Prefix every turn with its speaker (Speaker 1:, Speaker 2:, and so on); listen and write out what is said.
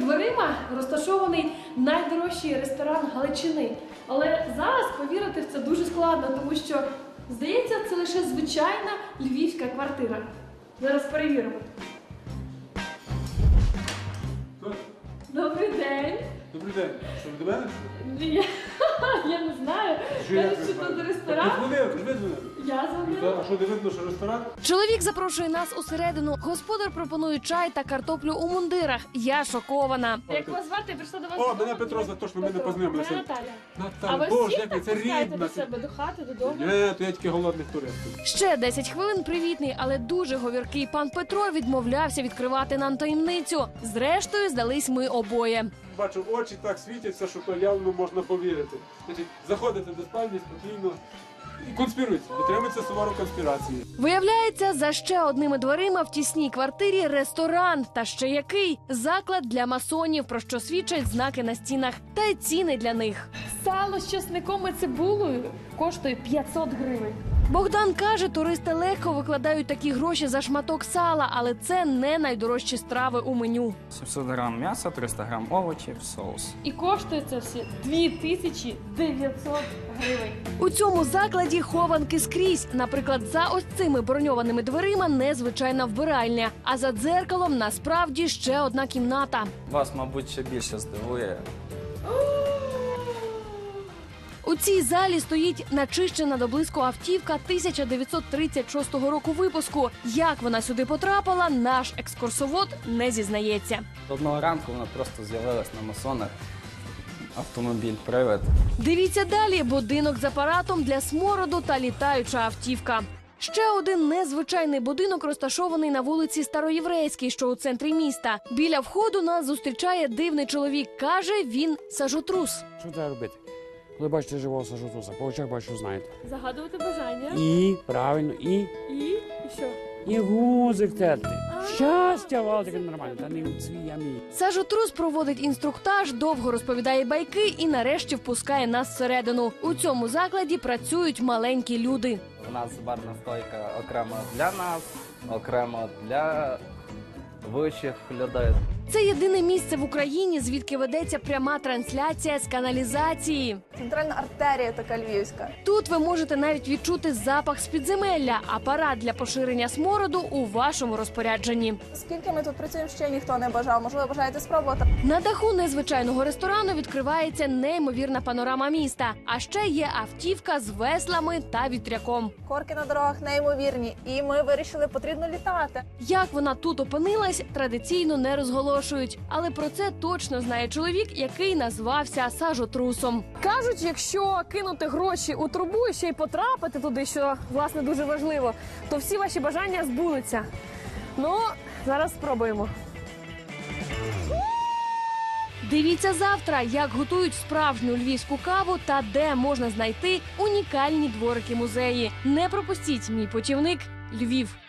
Speaker 1: дверима розташований найдорожчий ресторан Галичини. Але зараз повірити в це дуже складно, тому що, здається, це лише звичайна львівська квартира. Зараз перевіримо. Добрий день.
Speaker 2: Добрий день. Що, ви до мене?
Speaker 1: Ні, я не знаю. Кажуть, що тут ресторан. Я дзвонила.
Speaker 2: А що, не видно, що ресторан?
Speaker 1: Чоловік запрошує нас усередину. Господар пропонує чай та картоплю у мундирах. Я шокована. Як вас звати? Я прийшла до вас.
Speaker 2: О, мене Петро, за те, що ми не познайомилися.
Speaker 1: Наталя.
Speaker 2: Наталя,
Speaker 1: А ви
Speaker 2: Боже,
Speaker 1: всіх
Speaker 2: як
Speaker 1: так
Speaker 2: це
Speaker 1: пускаєте
Speaker 2: рідна.
Speaker 1: до себе, до хати, додому?
Speaker 2: Ні, то я тільки голодних туристів.
Speaker 1: Ще 10 хвилин привітний, але дуже говіркий пан Петро відмовлявся відкривати нам таємницю. Зрештою, здались ми обоє.
Speaker 2: Бачу, очі так світяться, що то явно можна повірити. Значить, заходите до спальні спокійно і конспіруйте, дотримуйтеся суворо конспірації.
Speaker 1: Виявляється, за ще одними дверима в тісній квартирі ресторан. Та ще який? Заклад для масонів, про що свідчать знаки на стінах. Та й ціни для них. Сало з часником і цибулею коштує 500 гривень. Богдан каже, туристи легко викладають такі гроші за шматок сала, але це не найдорожчі страви у меню.
Speaker 3: 700 грам м'яса, 300 грам овочів, соус.
Speaker 1: І коштує це все 2900 гривень. У цьому закладі хованки скрізь. Наприклад, за ось цими броньованими дверима незвичайна вбиральня, а за дзеркалом насправді ще одна кімната.
Speaker 3: Вас, мабуть, ще більше здивує.
Speaker 1: У цій залі стоїть начищена до блиску автівка 1936 року випуску. Як вона сюди потрапила, наш екскурсовод не зізнається.
Speaker 3: Одного ранку вона просто з'явилась на масонах. Автомобіль-привид.
Speaker 1: Дивіться далі. Будинок з апаратом для смороду та літаюча автівка. Ще один незвичайний будинок розташований на вулиці Староєврейській, що у центрі міста. Біля входу нас зустрічає дивний чоловік. Каже, він сажотрус.
Speaker 4: Що треба робити? Коли бачите живого сажотруса, по очах бачу, знаєте.
Speaker 1: Загадувати бажання.
Speaker 4: І, правильно, і
Speaker 1: що?
Speaker 4: і гузик терти. Щастя, вам таке нормально, та не у цвій, а мій.
Speaker 1: Сажотрус проводить інструктаж, довго розповідає байки і нарешті впускає нас всередину. У цьому закладі працюють маленькі люди.
Speaker 3: У нас барна стойка окремо для нас, окремо для вищих людей.
Speaker 1: Це єдине місце в Україні, звідки ведеться пряма трансляція з каналізації.
Speaker 5: Центральна артерія така львівська.
Speaker 1: Тут ви можете навіть відчути запах з підземелля. Апарат для поширення смороду у вашому розпорядженні.
Speaker 5: Скільки ми тут працюємо, ще ніхто не бажав. Можливо, бажаєте спробувати?
Speaker 1: На даху незвичайного ресторану відкривається неймовірна панорама міста. А ще є автівка з веслами та вітряком.
Speaker 5: Корки на дорогах неймовірні. І ми вирішили, потрібно літати.
Speaker 1: Як вона тут опинилась, традиційно не розголошують. Але про це точно знає чоловік, який назвався сажотрусом. Кажуть, якщо кинути гроші у трубу і ще й потрапити туди, що, власне, дуже важливо, то всі ваші бажання збудуться. Ну, зараз спробуємо. Дивіться завтра, як готують справжню львівську каву та де можна знайти унікальні дворики-музеї. Не пропустіть мій путівник Львів.